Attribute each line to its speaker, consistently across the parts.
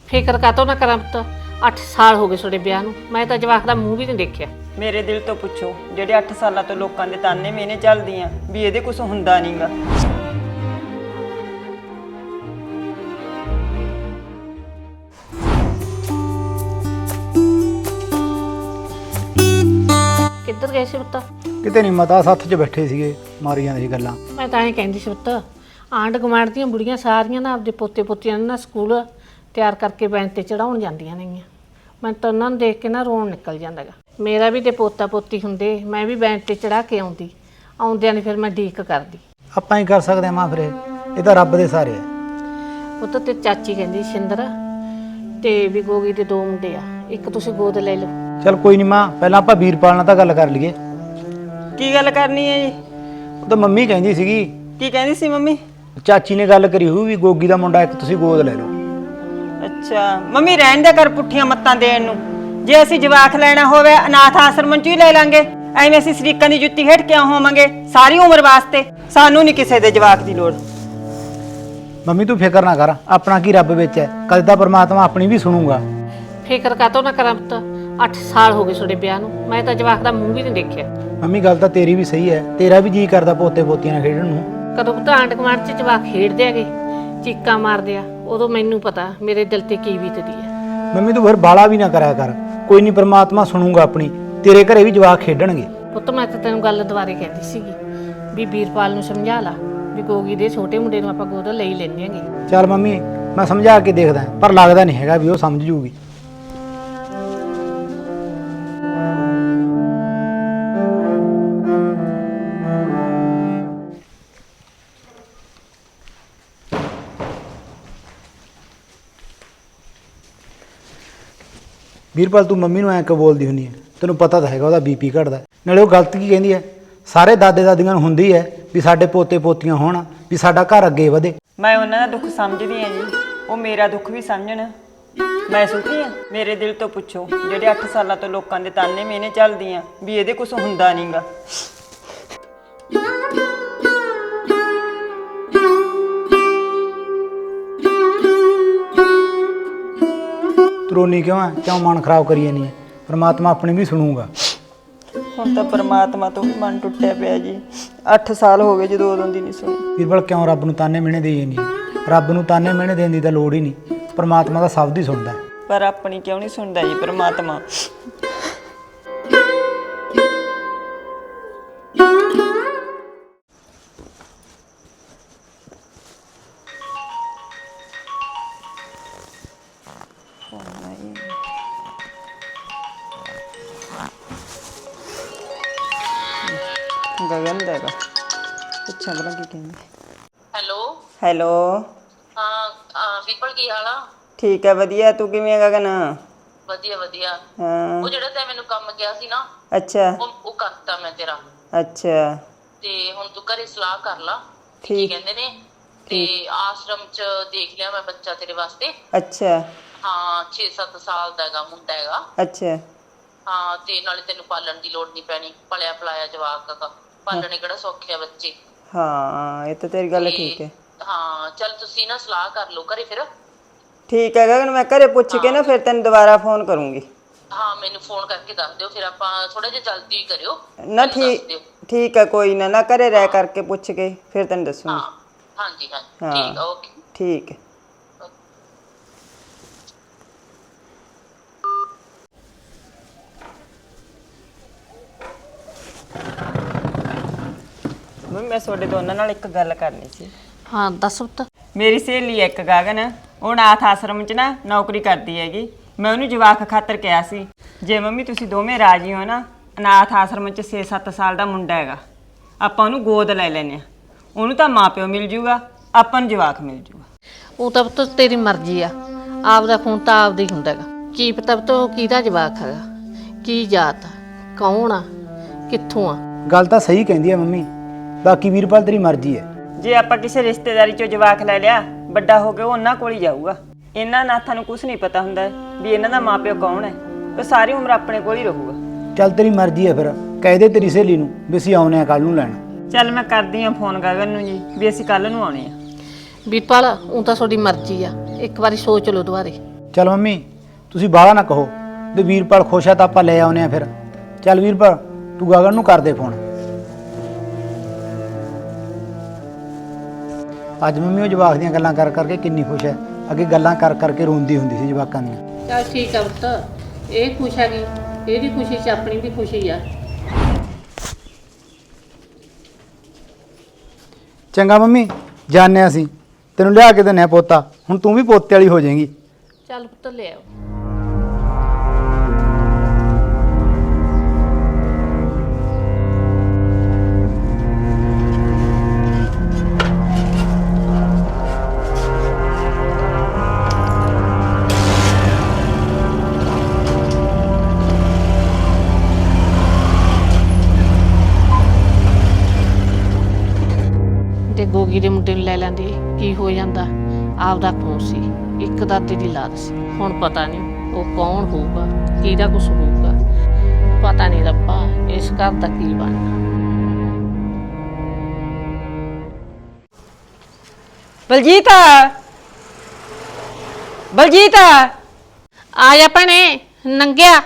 Speaker 1: ਫਿਕਰ ਕਾਤੋਂ ਨਾ ਕਰਾਂ ਪੁੱਤ। 8 ਸਾਲ ਹੋ ਗਏ ਤੁਹਾਡੇ ਵਿਆਹ ਨੂੰ, ਮੈਂ ਤਾਂ ਜਵਾਕ ਦਾ ਮੂੰਹ ਵੀ ਨਹੀਂ ਦੇਖਿਆ।
Speaker 2: ਮੇਰੇ ਦਿਲ ਤੋਂ ਪੁੱਛੋ, ਜਿਹੜੇ 8 ਸਾਲਾਂ ਤੋਂ ਲੋਕਾਂ ਦੇ ਤਾਨੇ ਮੇਨੇ ਚੱਲਦੀਆਂ ਵੀ ਇਹਦੇ ਕੁਝ ਹੁੰਦਾ ਨਹੀਂਗਾ।
Speaker 1: ਕਿੱਧਰ ਗਏ ਸੀ ਪੁੱਤ?
Speaker 3: ਕਿਤੇ ਨਹੀਂ ਮਤਾ ਸੱਥ 'ਚ ਬੈਠੇ ਸੀਗੇ, ਮਾਰੀ ਜਾਂਦੇ ਸੀ ਗੱਲਾਂ।
Speaker 1: ਮੈਂ ਤਾਂ ਐਂ ਕਹਿੰਦੀ ਸੀ ਪੁੱਤ, ਆਂਢ ਗੁਆਂਢ ਦੀਆਂ ਬੁੜੀਆਂ ਸਾਰੀਆਂ ਨਾ ਆਪਦੇ ਪੋਤੇ ਪੋਤੀਆਂ ਨੂੰ ਨਾ ਸਕੂਲ ਤਿਆਰ ਕਰਕੇ ਬੈਂਚ ਤੇ ਚੜਾਉਣ ਜਾਂਦੀਆਂ ਨੇਗੀਆਂ। ਮੈਂ ਤਾਂ ਉਹਨਾਂ ਨੂੰ ਦੇਖ ਕੇ ਨਾ ਰੋਣ ਨਿਕਲ ਜਾਂਦਾ ਗਾ। ਮੇਰਾ ਵੀ ਤੇ ਪੋਤਾ ਪੋਤੀ ਹੁੰਦੇ, ਮੈਂ ਵੀ ਬੈਂਚ ਤੇ ਚੜਾ ਕੇ ਆਉਂਦੀ, ਆਉਂਦਿਆਂ ਨੇ ਫਿਰ ਮੈਂ ਡੀਕ ਕਰਦੀ।
Speaker 3: ਆਪਾਂ ਹੀ ਕਰ ਸਕਦੇ ਹਾਂ ਮਾਂ, ਫਿਰ ਇਹ ਤਾਂ ਰੱਬ ਦੇ ਸਾਰੇ ਆ।
Speaker 1: ਪੁੱਤ ਤੇ ਚਾਚੀ ਕਹਿੰਦੀ ਸ਼ਿੰਦਰ ਤੇ ਵੀ ਗੋਗੀ ਦੇ 2 ਮੁੰਡੇ ਆ, ਇੱਕ ਤੁਸੀਂ ਗੋਦ ਲੈ ਲਓ।
Speaker 3: ਚਲ ਕੋਈ ਨਹੀਂ ਮਾਂ, ਪਹਿਲਾਂ ਆਪਾਂ ਵੀਰਪਾਲ ਨਾਲ ਤਾਂ ਗੱਲ ਕਰ ਲਈਏ।
Speaker 2: ਕੀ ਗੱਲ ਕਰਨੀ ਹੈ ਜੀ?
Speaker 3: ਉਹ ਤਾਂ ਮੰਮੀ ਕਹਿੰਦੀ ਸੀਗੀ,
Speaker 2: ਕੀ ਕਹਿੰਦੀ ਸੀ ਮੰਮੀ?
Speaker 3: ਚਾਚੀ ਨੇ ਗੱਲ ਕਰੀ ਹੋਊ ਵੀ ਗੋਗੀ ਦਾ ਮੁੰਡਾ ਇੱਕ ਤੁਸੀਂ ਗੋਦ ਲੈ ਲਓ।
Speaker 2: ਅੱਛਾ ਮੰਮੀ, ਰਹਿਣ ਦੇ ਕਰ ਪੁੱਠੀਆਂ ਮੱਤਾਂ ਦੇਣ ਨੂੰ। ਜੇ ਅਸੀਂ ਜਵਾਕ ਲੈਣਾ ਹੋਵੇ ਅਨਾਥ ਆਸ਼ਰਮ 'ਚ ਹੀ ਲੈ ਲਾਂਗੇ, ਐਵੇਂ ਅਸੀਂ ਸ਼ਰੀਕਾਂ ਦੀ ਜੁੱਤੀ ਹੇਠ ਕਿਉਂ ਹੋਵਾਂਗੇ ਸਾਰੀ ਉਮਰ ਵਾਸਤੇ? ਸਾਨੂੰ ਨਹੀਂ ਕਿਸੇ ਦੇ ਜਵਾਕ ਦੀ ਲੋੜ।
Speaker 3: ਮੰਮੀ ਤੂੰ ਫਿਕਰ ਨਾ ਕਰ, ਆਪਣਾ ਕੀ ਰੱਬ ਵਿੱਚ ਹੈ, ਕਦੇ ਤਾਂ ਪਰਮਾਤਮਾ ਆਪਣੀ ਵੀ ਸੁਣੂਗਾ।
Speaker 1: ਫਿਕਰ ਕਾਤੋਂ ਨਾ ਕਰਾਂ ਪੁੱਤ। 8 ਸਾਲ ਹੋ ਗਏ ਤੁਹਾਡੇ ਵਿਆਹ ਨੂੰ, ਮੈਂ ਤਾਂ ਜਵਾਕ ਦਾ ਮੂੰਹ ਵੀ ਨਹੀਂ ਦੇਖਿਆ।
Speaker 3: ਮੰਮੀ ਗੱਲ ਤਾਂ ਤੇਰੀ ਵੀ ਸਹੀ ਹੈ, ਤੇਰਾ ਵੀ ਜੀ ਕਰਦਾ ਪੋਤੇ ਪੋਤੀਆਂ ਨਾਲ ਖੇਡਣ ਨੂੰ।
Speaker 1: ਕਦੋਂ ਪੁੱਤ ਆਂਢ ਗੁਆਂਢ 'ਚ ਜਵਾਕ ਖੇਡਦੇ ਹੈਗੇ, ਚੀਕਾਂ ਮਾਰਦੇ ਆ, ਉਦੋਂ ਮੈਨੂੰ ਪਤਾ ਮੇਰੇ ਦਿਲ ਤੇ ਕੀ ਬੀਤਦੀ ਹੈ।
Speaker 3: ਮੰਮੀ ਤੂੰ ਫਿਰ ਬਾਲਾ ਵੀ ਨਾ ਕਰਿਆ ਕਰ, ਕੋਈ ਨਹੀਂ ਪਰਮਾਤਮਾ ਸੁਣੂਗਾ ਆਪਣੀ, ਤੇਰੇ ਘਰੇ ਵੀ ਜਵਾਕ ਖੇਡਣਗੇ।
Speaker 1: ਪੁੱਤ ਮੈਂ ਤਾਂ ਤੈਨੂੰ ਗੱਲ ਦੁਬਾਰੇ ਕਹਿੰਦੀ ਸੀਗੀ ਵੀ ਵੀਰਪਾਲ ਨੂੰ ਸਮਝਾ ਲਾ ਵੀ ਗੋਗੀ ਦੇ ਛੋਟੇ ਮੁੰਡੇ ਨੂੰ ਆਪਾਂ ਗੋਦ ਲਈ ਲੈਂਦੇ ਆਂਗੇ।
Speaker 3: ਚੱਲ ਮੰਮੀ ਮੈਂ ਸਮਝਾ ਕੇ ਦੇਖਦਾ, ਪਰ ਲੱਗਦਾ ਨਹੀਂ ਹੈਗਾ ਵੀ ਉਹ ਸਮਝ ਜੂਗੀ। ਵੀਰਪਾਲ ਤੂੰ ਮੰਮੀ ਨੂੰ ਐਂ ਕਿਉਂ ਬੋਲਦੀ ਹੁੰਦੀ ਹੈ? ਤੈਨੂੰ ਪਤਾ ਤਾਂ ਹੈਗਾ ਉਹਦਾ ਬੀਪੀ ਘਟਦਾ। ਨਾਲੇ ਉਹ ਗਲਤ ਕੀ ਕਹਿੰਦੀ ਹੈ? ਸਾਰੇ ਦਾਦੇ ਦਾਦੀਆਂ ਨੂੰ ਹੁੰਦੀ ਹੈ ਵੀ ਸਾਡੇ ਪੋਤੇ ਪੋਤੀਆਂ ਹੋਣ, ਵੀ ਸਾਡਾ ਘਰ ਅੱਗੇ ਵਧੇ।
Speaker 2: ਮੈਂ ਉਹਨਾਂ ਦਾ ਦੁੱਖ ਸਮਝਦੀ ਹਾਂ ਜੀ, ਉਹ ਮੇਰਾ ਦੁੱਖ ਵੀ ਸਮਝਣ। ਮੈਂ ਸੁਖੀ ਹਾਂ? ਮੇਰੇ ਦਿਲ ਤੋਂ ਪੁੱਛੋ, ਜਿਹੜੇ 8 ਸਾਲਾਂ ਤੋਂ ਲੋਕਾਂ ਦੇ ਤਾਨੇ ਮੇਨੇ ਚੱਲਦੀਆਂ ਵੀ ਇਹਦੇ ਕੁਝ ਹੁੰਦਾ ਨਹੀਂਗਾ।
Speaker 3: ਤਰੋਨੀ ਕਿਉਂ ਹੈ? ਕਿਉਂ ਮਨ ਖਰਾਬ ਕਰੀ ਜਾਨੀ ਹੈ? ਪਰਮਾਤਮਾ ਆਪਣੀ ਵੀ ਸੁਣੂਗਾ।
Speaker 2: ਹੁਣ ਤਾਂ ਪਰਮਾਤਮਾ ਤੋਂ ਵੀ ਮਨ ਟੁੱਟਿਆ ਪਿਆ ਜੀ। 8 ਸਾਲ ਹੋ ਗਏ ਜਦੋਂ ਉਦੋਂ ਦੀ ਨਹੀਂ ਸੁਣੀ।
Speaker 3: ਵੀਰਪਾਲ ਕਿਉਂ ਰੱਬ ਨੂੰ ਤਾਨੇ ਮਿਹਣੇ ਦੇਈ ਜਾਨੀ ਹੈ? ਰੱਬ ਨੂੰ ਤਾਨੇ ਮਿਹਣੇ ਦੇਣ ਦੀ ਤਾਂ ਲੋੜ ਹੀ ਨਹੀਂ, ਪਰਮਾਤਮਾ ਤਾਂ ਸਭ ਦੀ ਸੁਣਦਾ ਹੈ।
Speaker 2: ਪਰ ਆਪਣੀ ਕਿਉਂ ਨਹੀਂ ਸੁਣਦਾ ਜੀ ਪਰਮਾਤਮਾ? ਗਗਨ ਦਾ ਹੈਗਾ, ਪੁੱਛਾਂ ਭਲਾ ਕੀ ਕਹਿੰਦੀ।
Speaker 4: ਹੈਲੋ
Speaker 2: ਹੈਲੋ,
Speaker 4: ਹਾਂ ਵੀਰਪਾਲ ਕੀ ਹਾਲ ਆ?
Speaker 2: ਠੀਕ ਹੈ ਵਧੀਆ, ਤੂੰ ਕਿਵੇਂ ਹੈ ਗਗਨ?
Speaker 4: ਵਧੀਆ ਵਧੀਆ।
Speaker 2: ਹਾਂ
Speaker 4: ਉਹ ਜਿਹੜਾ ਤੈਂ ਮੈਨੂੰ ਕੰਮ ਕਿਹਾ ਸੀ ਨਾ,
Speaker 2: ਅੱਛਾ
Speaker 4: ਉਹ ਕਰਤਾ ਮੈਂ ਤੇਰਾ।
Speaker 2: ਅੱਛਾ
Speaker 4: ਤੇ ਹੁਣ ਤੂੰ ਘਰੇ ਸਲਾਹ ਕਰ ਲਾ ਕੀ
Speaker 2: ਠੀਕ।
Speaker 4: ਕਹਿੰਦੇ ਨੇ, ਤੇ ਆਸ਼ਰਮ ਚ ਦੇਖ ਲਿਆ ਮੈਂ ਬੱਚਾ ਤੇਰੇ ਵਾਸਤੇ।
Speaker 2: ਅੱਛਾ
Speaker 4: ਹਾਂ 6-7 ਸਾਲ ਦਾ ਹੈਗਾ ਮੁੰਡਾ ਹੈਗਾ।
Speaker 2: ਅੱਛਾ
Speaker 4: ਹਾਂ ਤੇ ਨਾਲੇ ਤੈਨੂੰ ਪਾਲਣ ਦੀ ਲੋੜ ਨਹੀਂ ਪੈਣੀ, ਪਲਿਆ ਪਲਾਇਆ ਜਵਾਕ ਹੈਗਾ, ਪਾਲਣੇ ਕਿਹੜਾ ਸੌਖੇ ਆ ਬੱਚੇ।
Speaker 2: ਹਾਂ ਇਹ ਤਾਂ ਤੇਰੀ ਗੱਲ
Speaker 4: ਤੇ
Speaker 2: ਠੀਕ ਹੈ।
Speaker 4: ਹਾਂ ਚੱਲ ਤੁਸੀਂ ਨਾ ਸਲਾਹ ਕਰ ਲਓ ਘਰੇ ਫਿਰ।
Speaker 2: ਠੀਕ ਹੈ ਗਗਨ, ਮੈਂ ਘਰੇ ਪੁੱਛ ਕੇ ਨਾ ਫਿਰ ਤੈਨੂੰ ਦੁਬਾਰਾ ਫੋਨ ਕਰੂੰਗੀ।
Speaker 4: ਹਾਂ ਮੈਨੂੰ ਫੋਨ ਕਰਕੇ ਦੱਸ ਦਿਓ, ਫਿਰ ਆਪਾਂ ਥੋੜਾ ਜਿਹਾ ਜਲਦੀ ਕਰਿਓ
Speaker 2: ਨਾ
Speaker 4: ਮੈਨੂੰ ਦੱਸ
Speaker 2: ਠੀਕ,
Speaker 4: ਦਿਓ।
Speaker 2: ਠੀਕ ਹੈ ਕੋਈ ਨਾ ਘਰੇ ਰਹਿ ਕਰਕੇ ਪੁੱਛ ਕੇ ਫਿਰ ਤੈਨੂੰ ਦੱਸੂੰਗੀ।
Speaker 4: ਹਾਂ ਹਾਂਜੀ ਹਾਂਜੀ
Speaker 2: ਹਾਂ
Speaker 4: ਠੀਕ ਆ, ਓਕੇ।
Speaker 2: ਠੀਕ ਹੈ। ਮੈਂ ਤੁਹਾਡੇ ਦੋਨਾਂ ਨਾਲ ਇੱਕ ਗੱਲ ਕਰਨੀ ਸੀ।
Speaker 1: ਹਾਂ ਦੱਸ ਪੁੱਤ।
Speaker 2: ਮੇਰੀ ਸਹੇਲੀ ਹੈ ਇੱਕ ਗਗਨ, ਉਹ ਅਨਾਥ ਆਸ਼ਰਮ 'ਚ ਨਾ ਨੌਕਰੀ ਕਰਦੀ ਹੈਗੀ। ਮੈਂ ਉਹਨੂੰ ਜਵਾਕ ਖਾਤਰ ਕਿਹਾ ਸੀ, ਜੇ ਮੰਮੀ ਤੁਸੀਂ ਦੋਵੇਂ ਰਾਜੀ ਹੋ ਨਾ, ਅਨਾਥ ਆਸ਼ਰਮ 'ਚ 6-7 ਸਾਲ ਦਾ ਮੁੰਡਾ ਹੈਗਾ, ਆਪਾਂ ਉਹਨੂੰ ਗੋਦ ਲੈ ਲੈਂਦੇ ਹਾਂ। ਉਹਨੂੰ ਤਾਂ ਮਾਂ ਪਿਓ ਮਿਲ ਜੂਗਾ, ਆਪਾਂ ਨੂੰ ਜਵਾਕ ਮਿਲ ਜੂਗਾ।
Speaker 1: ਉਹ ਤਾਂ ਪੁੱਤ ਤੇਰੀ ਮਰਜ਼ੀ ਆ, ਆਪਦਾ ਖੂਨ ਤਾਂ ਆਪਦਾ ਹੀ ਹੁੰਦਾ ਹੈਗਾ। ਕੀ ਪਤਾ ਪੁੱਤ ਉਹ ਕਿਹਦਾ ਜਵਾਕ ਹੈਗਾ, ਕੀ ਜਾਤ ਆ, ਕੌਣ ਆ, ਕਿੱਥੋਂ ਆ।
Speaker 3: ਗੱਲ ਤਾਂ ਸਹੀ ਕਹਿੰਦੀ ਹੈ ਮੰਮੀ, ਬਾਕੀ ਵੀਰਪਾਲ ਤੇਰੀ ਮਰਜ਼ੀ ਹੈ।
Speaker 2: ਜੇ ਆਪਾਂ ਕਿਸੇ ਰਿਸ਼ਤੇਦਾਰੀ 'ਚੋਂ ਜਵਾਕ ਲੈ ਲਿਆ, ਵੱਡਾ ਹੋ ਕੇ ਉਹ ਉਹਨਾਂ ਕੋਲ ਹੀ ਜਾਊਗਾ। ਇਹਨਾਂ ਅਨਾਥਾਂ ਨੂੰ ਕੁਝ ਨਹੀਂ ਪਤਾ ਹੁੰਦਾ ਵੀ ਇਹਨਾਂ ਦਾ ਮਾਂ ਪਿਓ ਕੌਣ ਹੈ, ਉਹ ਸਾਰੀ ਉਮਰ ਆਪਣੇ ਕੋਲ ਹੀ ਰਹੂਗਾ।
Speaker 3: ਚੱਲ ਤੇਰੀ ਮਰਜ਼ੀ ਹੈ, ਫਿਰ ਕਹਿ ਦੇ ਤੇਰੀ ਸਹੇਲੀ ਨੂੰ ਵੀ ਅਸੀਂ ਆਉਨੇ ਆ ਕੱਲ ਨੂੰ ਲੈਣ।
Speaker 2: ਚੱਲ ਮੈਂ ਕਰਦੀ ਹਾਂ ਫੋਨ ਗਗਨ ਨੂੰ ਜੀ ਵੀ ਅਸੀਂ ਕੱਲ ਨੂੰ ਆਉਣੇ ਆ।
Speaker 1: ਵੀਰਪਾਲ ਉਹ ਤਾਂ ਤੁਹਾਡੀ ਮਰਜ਼ੀ ਆ, ਇੱਕ ਵਾਰੀ ਸੋਚ ਲਓ ਦੁਬਾਰੇ।
Speaker 3: ਚੱਲ ਮੰਮੀ ਤੁਸੀਂ ਬਾਹਲਾ ਨਾ ਕਹੋ, ਤੇ ਵੀਰਪਾਲ ਖੁਸ਼ ਆ ਤਾਂ ਆਪਾਂ ਲੈ ਆਉਨੇ ਆ ਫਿਰ। ਚੱਲ ਵੀਰਪਾਲ ਤੂੰ ਗਗਨ ਨੂੰ ਕਰ ਦੇ ਫੋਨ। ਅੱਜ ਮੰਮੀ ਉਹ ਜਵਾਕ ਦੀਆਂ ਗੱਲਾਂ ਕਰ ਕਰਕੇ ਕਿੰਨੀ ਖੁਸ਼ ਹੈ, ਅੱਗੇ ਗੱਲਾਂ ਕਰ ਕਰਕੇ ਰੋਂਦੀ ਹੁੰਦੀ ਸੀ ਜਵਾਕਾਂ ਦੀਆਂ।
Speaker 1: ਚੱਲ ਠੀਕ ਆ ਪੁੱਤ, ਇਹ ਖੁਸ਼ ਹੈਗੀ, ਇਹਦੀ ਖੁਸ਼ੀ 'ਚ ਆਪਣੀ ਵੀ ਖੁਸ਼ੀ ਆ।
Speaker 3: ਚੰਗਾ ਮੰਮੀ, ਜਾਣਿਆ ਅਸੀਂ ਤੈਨੂੰ ਲਿਆ ਕੇ ਦਿੰਨੇ ਆ ਪੋਤਾ, ਹੁਣ ਤੂੰ ਵੀ ਪੋਤੇ ਵਾਲੀ ਹੋ ਜਾਏਗੀ।
Speaker 1: ਚੱਲ ਪੁੱਤ ਲੈ ਆਓ। ਤੇ ਗੋਗੀ ਦੇ ਮੁੰਡੇ ਨੂੰ ਲੈ ਲੈਂਦੀ, ਕੀ ਹੋ ਜਾਂਦਾ? ਆਪਦਾ ਖੂਨ ਸੀ, ਇੱਕ ਦਾਦੇ ਦੀ ਲਾਦ ਸੀ। ਹੁਣ ਪਤਾ ਨਹੀਂ ਉਹ ਕੌਣ ਹੋਊਗਾ, ਕਿਹਦਾ ਕੁਛ ਹੋਊਗਾ, ਪਤਾ ਨਹੀਂ ਰੱਬਾ ਇਸ ਘਰ ਦਾ ਕੀ ਬਣਨਾ।
Speaker 2: ਬਲਜੀਤ, ਬਲਜੀਤ
Speaker 1: ਆ ਜਾ ਭੈਣੇ, ਨੰਗਿਆ।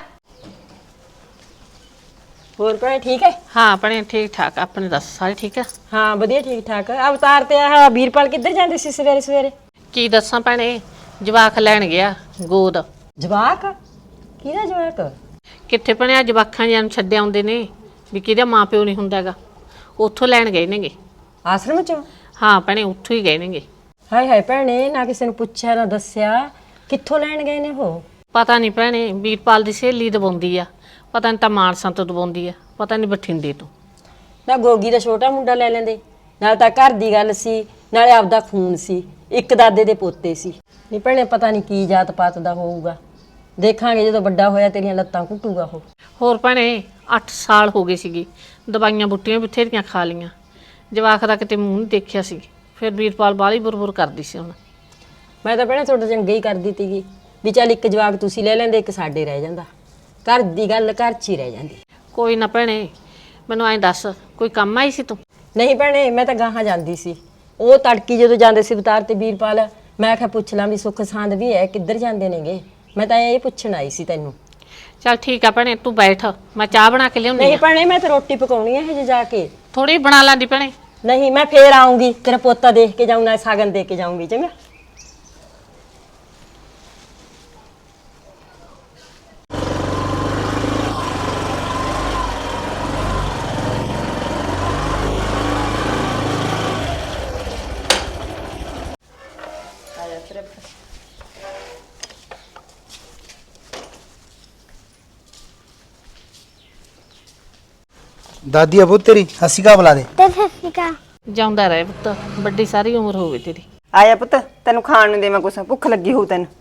Speaker 2: ਹੋਰ ਭੈਣੇ ਠੀਕ ਹੈ?
Speaker 1: ਹਾਂ ਭੈਣੇ ਠੀਕ ਠਾਕ, ਆਪਣੇ ਦੱਸ ਸਾਰੇ ਠੀਕ ਆ?
Speaker 2: ਹਾਂ ਵਧੀਆ ਠੀਕ ਠਾਕ। ਅਵਤਾਰ ਤੇ ਆਹ ਵੀਰਪਾਲ ਕਿੱਧਰ ਜਾਂਦੇ ਸੀ ਸਵੇਰੇ ਸਵੇਰੇ?
Speaker 1: ਕੀ ਦੱਸਾਂ ਭੈਣੇ, ਜਵਾਕ ਲੈਣ ਗਿਆ ਗੋਦ।
Speaker 2: ਜਵਾਕ? ਕਿਹਦਾ ਜਵਾਕ?
Speaker 1: ਕਿੱਥੇ ਭੈਣੇ ਆ ਜਵਾਕਾਂ ਜਿਹਾਂ ਨੂੰ ਛੱਡ ਆਉਂਦੇ ਨੇ ਵੀ ਕਿਹਦਾ ਮਾਂ ਪਿਓ ਨਹੀਂ ਹੁੰਦਾ ਹੈਗਾ, ਉੱਥੋਂ ਲੈਣ ਗਏ ਨੇਗੇ।
Speaker 2: ਆਸ਼ਰਮ ਚੋਂ?
Speaker 1: ਹਾਂ ਭੈਣੇ ਉੱਥੋਂ ਹੀ ਗਏ ਨੇਗੇ।
Speaker 2: ਹਾਏ ਹਾਏ ਭੈਣੇ, ਨਾ ਕਿਸੇ ਨੂੰ ਪੁੱਛਿਆ ਨਾ ਦੱਸਿਆ, ਕਿੱਥੋਂ ਲੈਣ ਗਏ ਨੇ ਉਹ?
Speaker 1: ਪਤਾ ਨਹੀਂ ਭੈਣੇ, ਵੀਰਪਾਲ ਦੀ ਸਹੇਲੀ ਦਵਾਉਂਦੀ ਆ, ਪਤਾ ਨਹੀਂ ਤਾਂ ਮਾਨਸਾ ਤੋਂ ਦਵਾਉਂਦੀ ਆ, ਪਤਾ ਨਹੀਂ ਬਠਿੰਡੇ ਤੋਂ।
Speaker 2: ਨਾ ਗੋਗੀ ਦਾ ਛੋਟਾ ਮੁੰਡਾ ਲੈ ਲੈਂਦੇ, ਨਾਲ ਤਾਂ ਘਰ ਦੀ ਗੱਲ ਸੀ, ਨਾਲੇ ਆਪਦਾ ਖੂਨ ਸੀ, ਇੱਕ ਦਾਦੇ ਦੇ ਪੋਤੇ ਸੀ। ਨਹੀਂ ਭੈਣੇ ਪਤਾ ਨਹੀਂ ਕੀ ਜਾਤ ਪਾਤ ਦਾ ਹੋਊਗਾ, ਦੇਖਾਂਗੇ ਜਦੋਂ ਵੱਡਾ ਹੋਇਆ ਤੇਰੀਆਂ ਲੱਤਾਂ ਘੁੱਟੂਗਾ ਉਹ।
Speaker 1: ਹੋਰ ਭੈਣੇ 8 ਸਾਲ ਹੋ ਗਏ ਸੀਗੀ, ਦਵਾਈਆਂ ਬੁੱਟੀਆਂ ਬਥੇਰੀਆਂ ਖਾ ਲਈਆਂ, ਜਵਾਕ ਦਾ ਕਿਤੇ ਮੂੰਹ ਨਹੀਂ ਦੇਖਿਆ ਸੀ। ਫਿਰ ਵੀਰਪਾਲ ਬਾਹਲੀ ਬੁਰ ਕਰਦੀ ਸੀ ਹੁਣ।
Speaker 2: ਮੈਂ ਤਾਂ ਭੈਣੇ ਤੁਹਾਡਾ ਚੰਗਾ ਹੀ ਕਰਦੀ ਤੀਗੀ ਵੀ ਚੱਲ ਇੱਕ ਜਵਾਕ ਤੁਸੀਂ ਲੈ ਲੈਂਦੇ, ਇੱਕ ਸਾਡੇ ਰਹਿ ਜਾਂਦਾ, ਘਰ ਦੀ ਗੱਲ ਘਰ 'ਚ ਹੀ ਰਹਿ ਜਾਂਦੀ।
Speaker 1: ਕੋਈ ਨਾ ਭੈਣੇ, ਮੈਨੂੰ ਐਂ ਦੱਸ ਕੋਈ ਕੰਮ ਆਈ ਸੀ ਤੂੰ?
Speaker 2: ਨਹੀਂ ਭੈਣੇ, ਮੈਂ ਤਾਂ ਗਾਹਾਂ ਜਾਂਦੀ ਸੀ, ਉਹ ਤੜਕੀ ਜਦੋਂ ਜਾਂਦੇ ਸੀ ਅਵਤਾਰ ਤੇ ਵੀਰਪਾਲ, ਮੈਂ ਕਿਹਾ ਪੁੱਛ ਲਾਂ ਵੀ ਸੁੱਖ ਸਾਂਦ ਵੀ ਹੈ, ਕਿੱਧਰ ਜਾਂਦੇ ਨੇਗੇ, ਮੈਂ ਤਾਂ ਇਹ ਪੁੱਛਣ ਆਈ ਸੀ ਤੈਨੂੰ।
Speaker 1: ਚੱਲ ਠੀਕ ਆ ਭੈਣੇ, ਤੂੰ ਬੈਠ, ਮੈਂ ਚਾਹ ਬਣਾ ਕੇ ਲਿਆਉਂਦੀ
Speaker 2: ਨਹੀਂ
Speaker 1: ਆ।
Speaker 2: ਭੈਣੇ ਮੈਂ ਤਾਂ ਰੋਟੀ ਪਕਾਉਣੀ ਹੈ ਹਜੇ ਜਾ ਕੇ।
Speaker 1: ਥੋੜੀ ਬਣਾ ਲਾਂਦੀ ਭੈਣੇ।
Speaker 2: ਨਹੀਂ ਮੈਂ ਫੇਰ ਆਉਂਗੀ, ਤੇਰਾ ਪੋਤਾ ਦੇਖ ਕੇ ਜਾਊਂ, ਨਾਲ ਸਾਗਨ ਦੇ ਕੇ ਜਾਊਂਗੀ। ਚੰਗਾ
Speaker 3: ਦਾਦੀ ਆ ਪੁੱਤ ਤੇਰੀ, ਹੱਸੀ ਕਾ ਬੁਲਾ ਦੇ।
Speaker 1: ਜਾਉਂਦਾ ਰਹੇ ਪੁੱਤ, ਵੱਡੀ ਸਾਰੀ ਉਮਰ ਹੋਵੇ ਤੇਰੀ।
Speaker 2: ਆਇਆ ਪੁੱਤ, ਤੈਨੂੰ ਖਾਣ ਨੂੰ ਦੇਵਾਂ ਕੁਛ, ਭੁੱਖ ਲੱਗੀ ਹੋਊ ਤੈਨੂੰ।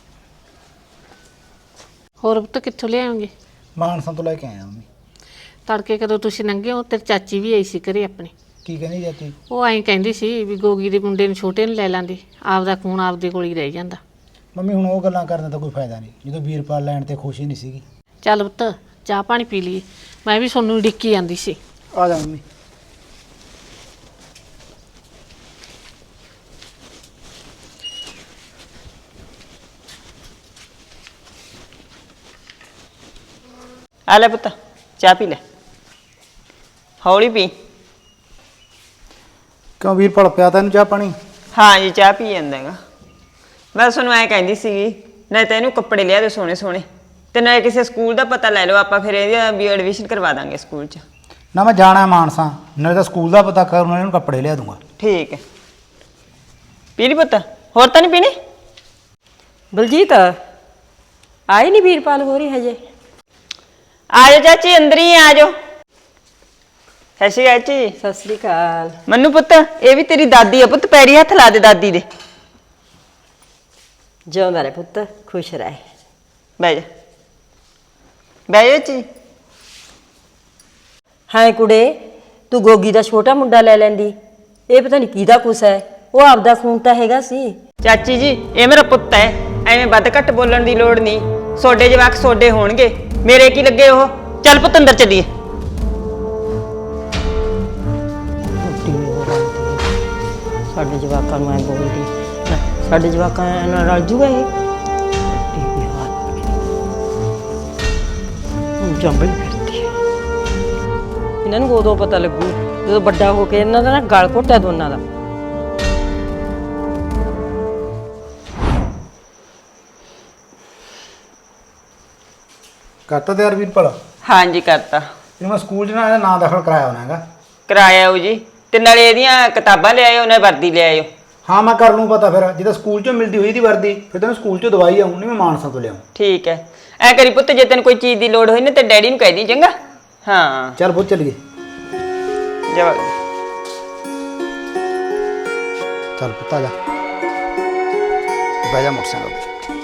Speaker 1: ਹੋਰ ਪੁੱਤ ਕਿੱਥੋਂ ਲਿਆਉਂਗੇ?
Speaker 3: ਮਾਨਸਾ ਤੋਂ ਲੈ ਕੇ ਆਇਆ ਮੰਮੀ।
Speaker 1: ਤੜਕੇ ਕਦੋਂ ਤੁਸੀਂ ਲੰਘੇ ਹੋ, ਤੇਰੀ ਚਾਚੀ ਵੀ ਆਈ ਸੀ ਘਰੇ ਆਪਣੀ।
Speaker 3: ਕੀ ਕਹਿੰਦੀ ਜਾਤੀ?
Speaker 1: ਉਹ ਐਂ ਕਹਿੰਦੀ ਸੀ ਵੀ ਗੋਗੀ ਦੇ ਮੁੰਡੇ ਨੂੰ ਛੋਟੇ ਨੂੰ ਲੈ ਲਾਂਦੀ, ਆਪਦਾ ਖੂਨ ਆਪਦੇ ਕੋਲ ਹੀ ਰਹਿ ਜਾਂਦਾ।
Speaker 3: ਮੰਮੀ ਹੁਣ ਉਹ ਗੱਲਾਂ ਕਰਨ ਦਾ ਕੋਈ ਫਾਇਦਾ ਨਹੀਂ, ਜਦੋਂ ਵੀਰਪਾਲ ਲੈਣ ਤੇ ਖੁਸ਼ੀ ਨਹੀਂ ਸੀਗੀ।
Speaker 1: ਚੱਲ ਪੁੱਤ ਚਾਹ ਪਾਣੀ ਪੀ ਲਈ, ਮੈਂ ਵੀ ਤੁਹਾਨੂੰ ਡਿੱਕੀ ਜਾਂਦੀ ਸੀ।
Speaker 3: ਆ ਜਾ ਮੰਮੀ।
Speaker 2: ਆ ਲੈ ਪੁੱਤ, ਚਾਹ ਪੀ ਲੈ, ਹੌਲੀ ਪੀ।
Speaker 3: ਕਿਉਂ ਵੀਰਪਾਲ ਪਿਆ ਤੈਨੂੰ ਚਾਹ ਪਾਣੀ?
Speaker 2: ਹਾਂ ਜੀ ਚਾਹ ਪੀ ਜਾਂਦਾ ਹੈਗਾ। ਮੈਂ ਤੁਹਾਨੂੰ ਐਂ ਕਹਿੰਦੀ ਸੀਗੀ, ਨਾ ਤਾਂ ਇਹਨੂੰ ਕੱਪੜੇ ਲਿਆ ਦੇ ਸੋਹਣੇ ਸੋਹਣੇ, ਤੇ ਨਾ ਕਿਸੇ ਸਕੂਲ ਦਾ ਪਤਾ ਲੈ ਲਓ, ਆਪਾਂ ਫਿਰ ਇਹਦੀ ਵੀ ਐਡਮਿਸ਼ਨ ਕਰਵਾ ਦਾਂਗੇ ਸਕੂਲ 'ਚ।
Speaker 3: ਨਾ ਮੈਂ ਜਾਣਾ ਮਾਨਸਾ, ਨਾਲੇ ਤਾਂ ਸਕੂਲ ਦਾ ਪਤਾ ਕਰ, ਉਹਨਾਂ ਨੂੰ ਕੱਪੜੇ ਲਿਆ ਦੂੰਗਾ।
Speaker 2: ਠੀਕ ਹੈ, ਪੀ ਲਈ ਪੁੱਤ, ਹੋਰ ਤਾਂ ਨਹੀਂ ਪੀਣੀ? ਬਲਜੀਤ ਆਈ ਨਹੀਂ ਵੀਰਪਾਲ ਹੋ ਰਹੀ ਹਜੇ? ਆ ਜਾਓ ਚਾਚੀ, ਅੰਦਰ ਹੀ ਆ ਜਾਓ। ਸਤਿ ਸ਼੍ਰੀ ਅਕਾਲ ਚਾਚੀ। ਸਤਿ ਸ਼੍ਰੀ ਅਕਾਲ। ਮੰਨੂ ਪੁੱਤ, ਇਹ ਵੀ ਤੇਰੀ ਦਾਦੀ ਆ ਪੁੱਤ, ਪੈਰੀ ਹੱਥ ਲਾ ਦੇ ਦਾਦੀ ਦੇ। ਜਿਉਂਦਾ ਰਹਿ ਪੁੱਤ, ਖੁਸ਼ ਰਹਿ। ਬਹਿ ਜਾ, ਬਹਿ ਜਾ ਚਾਚੀ। ਹਾਂ ਕੁੜੇ, ਤੂੰ ਗੋਗੀ ਦਾ ਛੋਟਾ ਮੁੰਡਾ ਲੈ ਲੈਂਦੀ, ਇਹ ਪਤਾ ਨਹੀਂ ਕਿਹਦਾ ਕੁਛ ਹੈ, ਉਹ ਆਪਦਾ ਖੂਨ ਤਾਂ ਹੈਗਾ ਸੀ। ਚਾਚੀ ਜੀ ਇਹ ਮੇਰਾ ਪੁੱਤ ਹੈ, ਐਵੇਂ ਵੱਧ ਘੱਟ ਬੋਲਣ ਦੀ ਲੋੜ ਨਹੀਂ, ਸੋਡੇ ਜਵਾਕ ਸੋਡੇ ਹੋਣਗੇ, ਮੇਰੇ ਕੀ ਲੱਗੇ ਉਹ। ਚੱਲ ਪੁੱਤ ਅੰਦਰ ਚੱਲੀਏ। ਸਾਡੇ ਜਵਾਕਾਂ ਨੂੰ ਐ ਬੋਲਦੀ, ਸਾਡੇ ਜਵਾਕਾਂ ਨਾਲ ਰਲ ਜੂਗਾ ਇਹ।
Speaker 5: ਜੰਮਣ ਫਿਰਦੀ ਹੈ। ਇਹਨਾਂ ਨੂੰ ਉਦੋਂ ਪਤਾ ਲੱਗੂ ਜਦੋਂ ਵੱਡਾ ਹੋ ਕੇ ਇਹਨਾਂ ਦਾ ਨਾ ਗਲ ਘੋਟਿਆ ਦੋਨਾਂ ਦਾ।
Speaker 3: ਕਰਤਾ ਤੇ ਯਾਰ ਵੀਰਪਾਲ
Speaker 2: ਹਾਂਜੀ ਕਰਤਾ।
Speaker 3: ਇਹਨੂੰ ਮੈਂ ਸਕੂਲ 'ਚ ਨਾ ਇਹਦਾ ਨਾਂ ਦਾਖਲ ਕਰਾਇਆ ਹੋਣਾ ਹੈਗਾ।
Speaker 2: ਕਰਾਇਆ ਉਹ ਜੀ, ਤੇ ਨਾਲੇ ਇਹਦੀਆਂ ਕਿਤਾਬਾਂ ਲਿਆਇਓ, ਉਹਨਾਂ ਵਰਦੀ ਲਿਆਇਓ।
Speaker 3: ਹਾਂ ਮੈਂ ਕਰ ਲੂੰ ਪਤਾ ਫਿਰ, ਜੇ ਤਾਂ ਸਕੂਲ 'ਚੋਂ ਮਿਲਦੀ ਹੋਈ ਦੀ ਵਰਦੀ ਫਿਰ ਤੈਨੂੰ ਸਕੂਲ 'ਚੋਂ ਦਵਾਈ ਆਉਂ ਨਹੀਂ ਮੈਂ ਮਾਨਸਾ ਤੋਂ ਲਿਆਉਂ।
Speaker 2: ਠੀਕ ਹੈ, ਐ ਕਰੀ ਪੁੱਤ, ਜੇ ਤੈਨੂੰ ਕੋਈ ਚੀਜ਼ ਦੀ ਲੋੜ ਹੋਈ ਨਾ ਤੇ ਡੈਡੀ ਨੂੰ ਕਹਿ ਦੀ, ਚੰਗਾ। ਹਾਂ
Speaker 3: ਚੱਲ ਬਹੁਤ ਚੱਲੀਏ।
Speaker 2: ਜਵਾ
Speaker 3: ਚੱਲ ਪੁੱਤ ਆ ਜਾ, ਬਹਿ ਜਾ ਮੋਟਰਸਾਈਕਲ ਤੇ।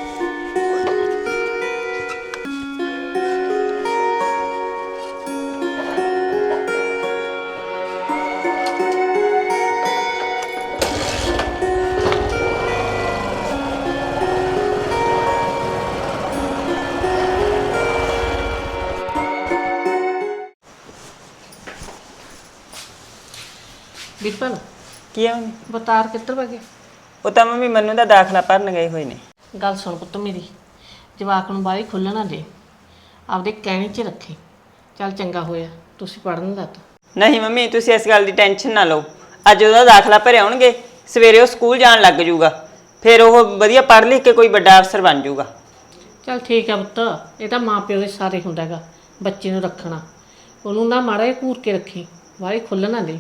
Speaker 1: ਵੀਰਪਾਲ
Speaker 2: ਕੀ ਆ ਮੰਮੀ?
Speaker 1: ਬਤਾਰ ਕਿੱਧਰ ਵਗੇ?
Speaker 2: ਉਹ ਤਾਂ ਮੰਮੀ ਮੈਨੂੰ ਦਾ ਦਾਖਲਾ ਭਰਨ ਗਏ ਹੋਏ ਨੇ।
Speaker 1: ਗੱਲ ਸੁਣ ਪੁੱਤ ਮੇਰੀ, ਜਵਾਕ ਨੂੰ ਬਾਹਲੀ ਖੁੱਲ੍ਹਣਾ ਦੇ, ਆਪਦੇ ਕਹਿਣੇ 'ਚ ਰੱਖੀ। ਚੱਲ ਚੰਗਾ ਹੋਇਆ ਤੁਸੀਂ ਪੜ੍ਹਨ ਲੱਗ।
Speaker 2: ਨਹੀਂ ਮੰਮੀ, ਤੁਸੀਂ ਇਸ ਗੱਲ ਦੀ ਟੈਨਸ਼ਨ ਨਾ ਲਓ। ਅੱਜ ਉਹਦਾ ਦਾਖਲਾ ਭਰਿਆ ਆਉਣਗੇ, ਸਵੇਰੇ ਉਹ ਸਕੂਲ ਜਾਣ ਲੱਗ ਜੂਗਾ, ਫਿਰ ਉਹ ਵਧੀਆ ਪੜ੍ਹ ਲਿਖ ਕੇ ਕੋਈ ਵੱਡਾ ਅਫਸਰ ਬਣ ਜੂਗਾ।
Speaker 1: ਚੱਲ ਠੀਕ ਆ ਪੁੱਤ, ਇਹ ਤਾਂ ਮਾਂ ਪਿਓ ਦੇ ਸਾਰੇ ਹੁੰਦਾ ਹੈਗਾ ਬੱਚੇ ਨੂੰ ਰੱਖਣਾ। ਉਹਨੂੰ ਨਾ ਮਾੜਾ ਜਿਹਾ ਘੂਰ ਕੇ ਰੱਖੀ, ਬਾਹਲੀ ਖੁੱਲ੍ਹਣਾ ਦੇ।